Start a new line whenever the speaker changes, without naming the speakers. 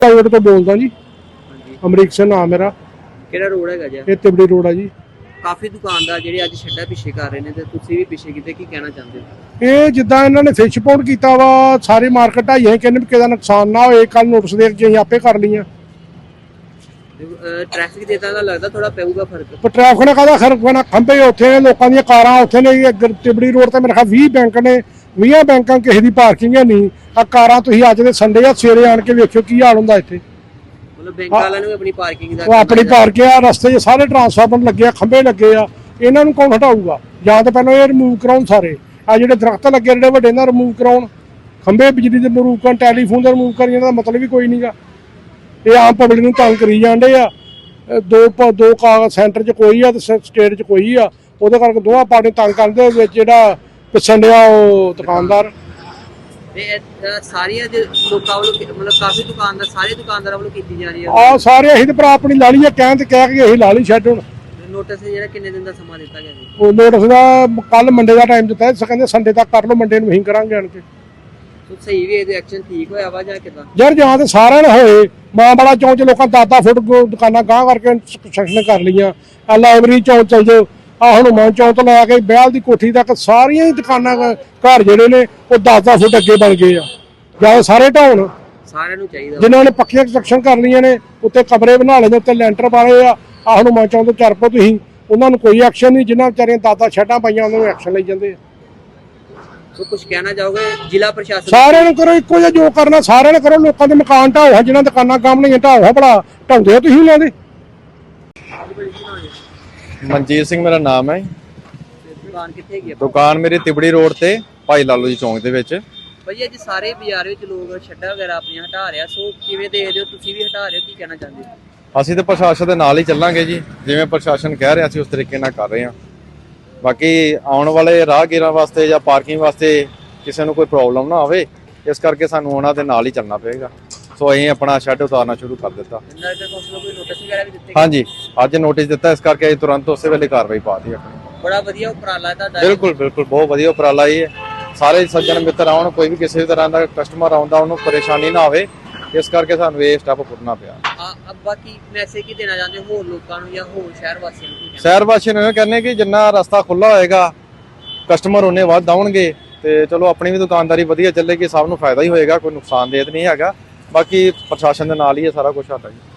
Private तो बोलदा जी।
ਹਾਂਜੀ
अमरीक सिंह नाम मेरा।
ਕਿਹੜਾ ਰੋਡ ਹੈਗਾ ਜੀ?
ये तिबड़ी रोड है जी।
ਕਾਫੀ ਦੁਕਾਨਦਾਰ ਜਿਹੜੇ ਅੱਜ ਛੱਡਾ ਪਿੱਛੇ ਕਰ ਰਹੇ ਨੇ ਤੇ ਤੁਸੀਂ ਵੀ ਪਿੱਛੇ ਕਿਤੇ ਕੀ ਕਹਿਣਾ ਚਾਹੁੰਦੇ ਹੋ?
ਇਹ ਜਿੱਦਾਂ ਇਹਨਾਂ ਨੇ ਫਿਸ਼ ਪੌਂਡ ਕੀਤਾ ਵਾ, ਸਾਰੀ ਮਾਰਕੀਟ ਢਾਈਆਂ ਕਹਿੰਦੇ ਵੀ ਕਿਸੇ ਦਾ ਨੁਕਸਾਨ ਨਾ ਹੋਏ। ਕੱਲ ਨੋਟਿਸ ਦੇ ਕੇ ਅਸੀਂ ਆਪੇ ਕਰ ਲਈਆਂ।
ਟ੍ਰੈਫਿਕ ਦੇ ਤਾਂ ਲੱਗਦਾ ਥੋੜਾ ਪਊਗਾ ਫਰਕ।
ਪਰ ਟ੍ਰੈਫਿਕ ਨੇ ਕਾਹਦਾ ਖਰਕ ਪੈਣਾ? ਖੰਭੇ ਉੱਥੇ ਨੇ, ਲੋਕਾਂ ਦੀਆਂ ਕਾਰਾਂ ਉੱਥੇ ਨੇ। ਇੱਧਰ ਤਿਬੜੀ ਰੋਡ ਤੇ ਮੇਰੇ ਖਿਆਲ 20 ਬੈਂਕ ਨੇ, 20 ਬੈਂਕਾਂ ਕਿਸੇ ਦੀ ਪਾਰਕਿੰਗ ਹੈ ਨਹੀਂ। ਆ ਕਾਰਾਂ ਤੁਸੀਂ ਅੱਜ ਦੇ ਸੰਡੇ ਆ ਸਵੇਰੇ ਆਣ ਕੇ ਵੇਖਿਓ ਕੀ ਹਾਲ ਹੁੰਦਾ ਇੱਥੇ।
ਮਤਲਬ ਬੈਂਕ ਵਾਲਿਆਂ ਨੂੰ ਆਪਣੀ ਪਾਰਕਿੰਗ ਦਾ
ਉਹ ਆਪਣੀ ਪਾਰਕਿੰਗ ਆ, ਰਸਤੇ 'ਚ ਸਾਰੇ ਟਰਾਂਸਫਾਰਮਰ ਲੱਗੇ ਆ, ਖੰਭੇ ਲੱਗੇ ਆ। ਇਹਨਾਂ ਨੂੰ ਕੌਣ ਹਟਾਊਗਾ? ਜਾਂ ਤਾਂ ਪਹਿਲਾਂ ਇਹ ਰਿਮੂਵ ਕਰਾਉਣ ਸਾਰੇ। ਆ ਜਿਹੜੇ ਦਰਖਤ ਲੱਗੇ ਜਿਹੜੇ ਵੱਡੇ ਨਾਲ ਰਿਮੂਵ ਕਰਾਉਣ, ਖੰਭੇ ਬਿਜਲੀ ਦੇ ਰਿਮੂਵ ਕਰਨ, ਟੈਲੀਫੋਨ ਦੇ ਰਿਮੂਵ ਕਰਨ। ਦਾ ਮਤਲਬ ਹੀ ਕੋਈ ਨਹੀਂਗਾ। ਇਹ ਆਮ ਪਬਲਿਕ ਨੂੰ ਤੰਗ ਕਰੀ ਜਾਂਦੇ ਆ। ਦੋ ਕਾਗਜ਼ ਸੈਂਟਰ 'ਚ ਕੋਈ ਆ ਤੇ ਸਟੇਟ 'ਚ ਕੋਈ ਆ। ਉਹਦੇ ਕਰਕੇ ਦੋਵਾਂ ਪਾਰਟੀ ਤੰਗ ਕਰਦੇ ਵਿੱਚ ਜਿਹੜਾ ਪਿੱਛਣ ਡਿਆ ਉਹ ਦੁਕਾਨਦਾਰ।
ਤੇ ਸਾਰੀਆਂ ਲੋਕਾਂ ਵੱਲੋਂ ਮਤਲਬ ਕਾਫੀ ਦੁਕਾਨਦਾਰ ਸਾਰੇ ਦੁਕਾਨਦਾਰਾਂ ਵੱਲੋਂ ਕੀਤੀ ਜਾ ਰਹੀ ਹੈ
ਆ ਸਾਰੇ ਅਸੀਂ ਤੇ ਭਰਾ ਆਪਣੀ ਲਾ ਲਈ ਆ, ਕਹਿ ਕੇ ਅਸੀਂ ਲਾ ਲਈ ਛੱਡ। ਹੁਣ
ਨੋਟਿਸ ਜਿਹੜਾ ਕਿੰਨੇ ਦਿਨ ਦਾ ਸਮਾਂ ਦਿੱਤਾ ਗਿਆ ਜੀ?
ਉਹ ਨੋਟਿਸ ਦਾ ਕੱਲ ਮੰਡੇ ਦਾ ਟਾਈਮ ਦਿੱਤਾ। ਕਹਿੰਦੇ ਸੰਡੇ ਤੱਕ ਕਰ ਲਓ, ਮੰਡੇ ਨੂੰ ਅਸੀਂ ਕਰਾਂਗੇ ਆਣ ਕੇ।
ਸਹੀ ਵੀ ਇਹਦੇ ਐਕਸ਼ਨ ਠੀਕ ਹੋਇਆ ਵਾ ਜਾਂ ਕਿਦਾਂ?
ਯਾਰ ਜਾਂ ਤੇ ਸਾਰਿਆਂ ਨੇ ਹੋਏ। ਮਾਂ ਬੜਾ ਚੌਂਕ 'ਚ ਲੋਕਾਂ 10 ਫੁੱਟ ਦੁਕਾਨਾਂ ਗਾਂਹ ਕਰਕੇ ਕੰਸਟਰਕਸ਼ਨ ਕਰ ਲਈਆਂ। ਆ ਲਾਇਬ੍ਰੇਰੀ ਚੌਂਕ ਚਲ ਜਾਓ, ਆ ਹਨੂੰਮਾਨ ਚੌਂਕ ਤੋਂ ਲੈ ਕੇ ਬਹਿਲ ਦੀ ਕੋਠੀ ਤੱਕ ਸਾਰੀਆਂ ਹੀ ਦੁਕਾਨਾਂ ਘਰ ਜਿਹੜੇ ਨੇ ਉਹ 10 ਫੁੱਟ ਅੱਗੇ ਬਣ ਗਏ ਆ। ਜਾਂ ਸਾਰੇ ਢਾਉਣ,
ਸਾਰਿਆਂ ਨੂੰ ਚਾਹੀਦਾ
ਜਿਨ੍ਹਾਂ ਨੇ ਪੱਕੀਆਂ ਕੰਸਟਰਕਸ਼ਨ ਕਰ ਲਈਆਂ ਨੇ, ਉੱਤੇ ਕਮਰੇ ਬਣਾ ਲਏ ਨੇ, ਉੱਤੇ ਲੈਂਟਰ ਪਾਏ ਆ। ਆ ਹਨੂੰਮਾਨ ਚੌਂਕ ਤੋਂ ਚੱਲ ਪਓ ਤੁਸੀਂ, ਉਹਨਾਂ ਨੂੰ ਕੋਈ ਐਕਸ਼ਨ ਨਹੀਂ। ਜਿਨ੍ਹਾਂ ਵਿਚਾਰੀਆਂ 10 ਛੱਡਾਂ ਪਾਈਆਂ ਉਹਨਾਂ ਨੂੰ ਐਕਸ਼ਨ ਲਈ ਜਾਂਦੇ ਆ।
ਸੋ ਕੁਝ ਕਹਿਣਾ ਚਾਹੋਗੇ ਜ਼ਿਲ੍ਹਾ ਪ੍ਰਸ਼ਾਸਨ?
ਸਾਰਿਆਂ ਨੂੰ ਕਰੋ ਇੱਕੋ ਜਿਹਾ, ਜੋ ਕਰਨਾ ਸਾਰਿਆਂ ਨੇ ਕਰੋ। ਲੋਕਾਂ ਦੇ ਮਕਾਨ ਢਾਓ, ਜਿਹਨਾਂ ਦੁਕਾਨਾਂ ਕੰਮ ਨਹੀਂ ਢਾਓ, ਭਲਾ ਢਾਉਂਦੇ ਤੁਸੀਂ ਉਹਨਾਂ ਦੇ।
ਮਨਜੀਤ ਸਿੰਘ ਮੇਰਾ ਨਾਮ ਹੈ।
ਦੁਕਾਨ ਕਿੱਥੇ ਹੈਗੀ?
ਦੁਕਾਨ ਮੇਰੀ ਤਿਬੜੀ ਰੋਡ ਤੇ ਭਾਈ ਲਾਲੂ ਜੀ ਚੌਂਕ ਦੇ ਵਿੱਚ।
ਭਾਈ ਅੱਜ ਸਾਰੇ ਬਾਜ਼ਾਰ ਵਿੱਚ ਲੋਕ ਛੱਡਾ ਵਗੈਰਾ ਆਪਣੀਆਂ ਹਟਾ ਰਿਹਾ, ਸੋ ਕਿਵੇਂ ਦੇਖਦੇ ਹੋ? ਤੁਸੀਂ ਵੀ ਹਟਾ ਰਹੇ ਹੋ, ਕੀ ਕਹਿਣਾ ਚਾਹੁੰਦੇ ਹੋ?
ਅਸੀਂ ਤੇ ਪ੍ਰਸ਼ਾਸਨ ਦੇ ਨਾਲ ਹੀ ਚੱਲਾਂਗੇ ਜੀ, ਜਿਵੇਂ ਪ੍ਰਸ਼ਾਸਨ ਕਹਿ ਰਿਹਾ ਅਸੀਂ ਉਸ ਤਰੀਕੇ ਨਾਲ ਕਰ ਰਹੇ ਹਾਂ। ਬਾਕੀ ਆਉਣ ਵਾਲੇ ਰਾਹਗੀਰਾਂ ਵਾਸਤੇ ਜਾਂ ਪਾਰਕਿੰਗ ਵਾਸਤੇ ਕਿਸੇ ਨੂੰ ਕੋਈ ਪ੍ਰੋਬਲਮ ਨਾ ਆਵੇ, ਇਸ ਕਰਕੇ ਸਾਨੂੰ ਉਹਨਾਂ ਦੇ ਨਾਲ ਹੀ ਚੱਲਣਾ ਪਏਗਾ। ਸੋ ਅਸੀਂ ਆਪਣਾ ਸ਼ੈੱਡ ਉਤਾਰਨਾ ਸ਼ੁਰੂ ਕਰ ਦਿੱਤਾ।
ਕੋਈ ਨੋਟਿਸ ਵਗੈਰਾ ਵੀ ਦਿੱਤੇ?
ਹਾਂਜੀ, ਅੱਜ ਨੋਟਿਸ ਦਿੱਤਾ, ਇਸ ਕਰਕੇ ਅਸੀਂ ਤੁਰੰਤ ਉਸੇ ਵੇਲੇ ਕਾਰਵਾਈ ਪਾ ਦਿੱਤੀ ਆਪਣੀ।
ਬੜਾ ਵਧੀਆ ਉਪਰਾਲਾ ਤੁਹਾਡਾ।
ਬਿਲਕੁਲ ਬਹੁਤ ਵਧੀਆ ਉਪਰਾਲਾ ਇਹ ਹੈ। ਸਾਰੇ ਸੱਜਣ ਮਿੱਤਰ ਆਉਣ, ਕੋਈ ਵੀ ਕਿਸੇ ਤਰ੍ਹਾਂ ਦਾ ਕਸਟਮਰ ਆਉਂਦਾ ਉਹਨੂੰ ਪਰੇਸ਼ਾਨੀ ਨਾ ਆਵੇ, ਇਸ ਕਰਕੇ ਸਾਨੂੰ ਇਹ ਸਟੈਪ ਪੁੱਟਣਾ ਪਿਆ।
ਬਾਕੀ ਮੈਸੇਜ ਕੀ ਦੇਣਾ ਚਾਹੁੰਦੇ ਹੋਰ ਲੋਕਾਂ ਨੂੰ ਜਾਂ ਹੋਰ ਸ਼ਹਿਰ ਵਾਸੀਆਂ ਨੂੰ?
ਸ਼ਹਿਰ ਵਾਸੀਆਂ ਨੂੰ ਇਹ ਕਹਿੰਦੇ ਕਿ ਜਿੰਨਾ ਰਸਤਾ ਖੁੱਲਾ ਹੋਏਗਾ, ਕਸਟਮਰ ਉਹਨੇ ਵੱਧ ਆਉਣਗੇ ਤੇ ਚਲੋ ਆਪਣੀ ਵੀ ਦੁਕਾਨਦਾਰੀ ਵਧੀਆ ਚੱਲੇਗੀ, ਸਭ ਨੂੰ ਫਾਇਦਾ ਹੀ ਹੋਏਗਾ, ਕੋਈ ਨੁਕਸਾਨਦੇਹ ਨਹੀਂ ਹੈਗਾ। ਬਾਕੀ ਪ੍ਰਸ਼ਾਸਨ ਦੇ ਨਾਲ ਹੀ ਇਹ ਸਾਰਾ ਕੁਝ ਸਾਡਾ ਜੀ।